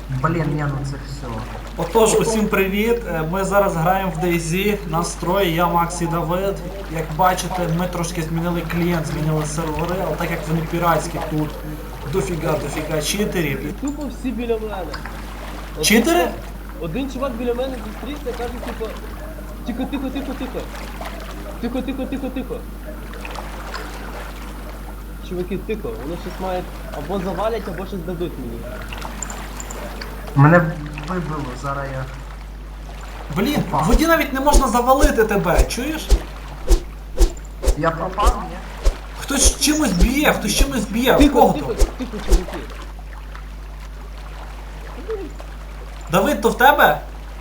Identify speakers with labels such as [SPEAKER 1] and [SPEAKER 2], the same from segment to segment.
[SPEAKER 1] Блін, ні, ну це все.
[SPEAKER 2] Отож, усім привіт! Ми зараз граємо в DayZ, настрої, я Макс і Давид. Як бачите, ми трошки змінили клієнт, змінили сервери, але так як вони піратські, тут дофіга читерів.
[SPEAKER 3] Тупо всі біля мене.
[SPEAKER 2] Читери?
[SPEAKER 3] Один чувак біля мене зустрівся, каже, типу, тихо. Чуваки, тихо, вони щось мають або завалять, або щось дадуть мені.
[SPEAKER 1] Мене вибило, зараз я.
[SPEAKER 2] Блін, в воді навіть не можна завалити тебе, чуєш?
[SPEAKER 1] Я пропав, ні?
[SPEAKER 2] Хтось чимось б'є, хтось чимось б'є, в
[SPEAKER 3] Тихо,
[SPEAKER 2] кого
[SPEAKER 3] тихо,
[SPEAKER 2] то?
[SPEAKER 3] тихо, чуваки.
[SPEAKER 2] Давид, то в тебе?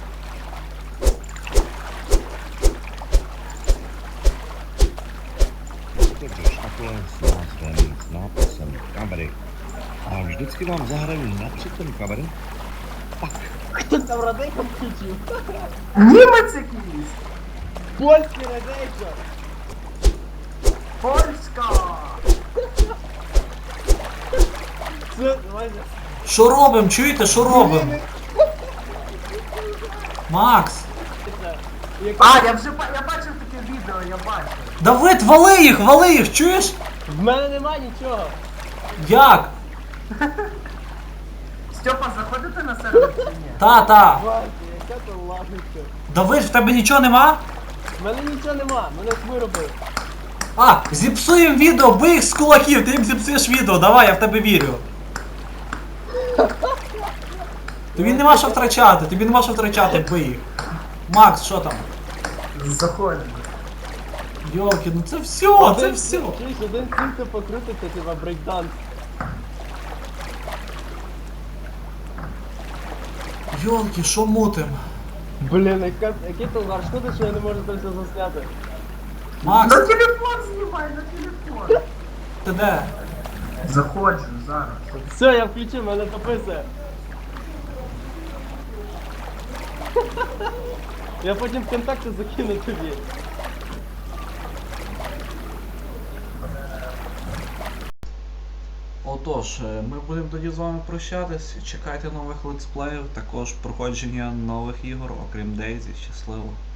[SPEAKER 4] Takže takhle s nástrojem, s nápisem kamery. A vždycky vám zahraju napřed ten kamery.
[SPEAKER 3] Хто там радейка включив?
[SPEAKER 1] Німець якийсь!
[SPEAKER 3] Польський радейка!
[SPEAKER 1] Польська!
[SPEAKER 3] Все, давайте.
[SPEAKER 2] Що робимо, чуєте, що робимо? Макс!
[SPEAKER 1] А, я вже я бачив таке відео, я бачив.
[SPEAKER 2] Давид, вали їх, чуєш?
[SPEAKER 3] В мене нема нічого.
[SPEAKER 2] Як?
[SPEAKER 1] Степа, заходите на сервер чи ні?
[SPEAKER 2] Та.
[SPEAKER 3] Бачите, яка то лавочка.
[SPEAKER 2] Давид, в тебе нічого нема?
[SPEAKER 3] В мене нічого нема, мене ж виробив.
[SPEAKER 2] А, зіпсуємо відео, бий їх з кулаків, ти їм зіпсуєш відео, давай, я в тебе вірю. Тобі нема що втрачати, бий їх. Макс, що там?
[SPEAKER 1] Заходимо.
[SPEAKER 2] Йолки, ну це все.
[SPEAKER 3] Чуєш, один цінка покрутиться, типа брейкданс.
[SPEAKER 2] Йолки, що мутим?
[SPEAKER 3] Блін, який то угар, шкода, що я не можу це все засняти.
[SPEAKER 2] Макс,
[SPEAKER 1] На телефон знімай, на телефон.
[SPEAKER 2] ти де?
[SPEAKER 1] Заходжу, зараз.
[SPEAKER 3] Все, я включив, мене топиться. Я потім в контакти закину тобі.
[SPEAKER 2] Отож, ми будемо тоді з вами прощатись. Чекайте нових летсплеїв, також проходження нових ігор, окрім DayZ. Щасливо.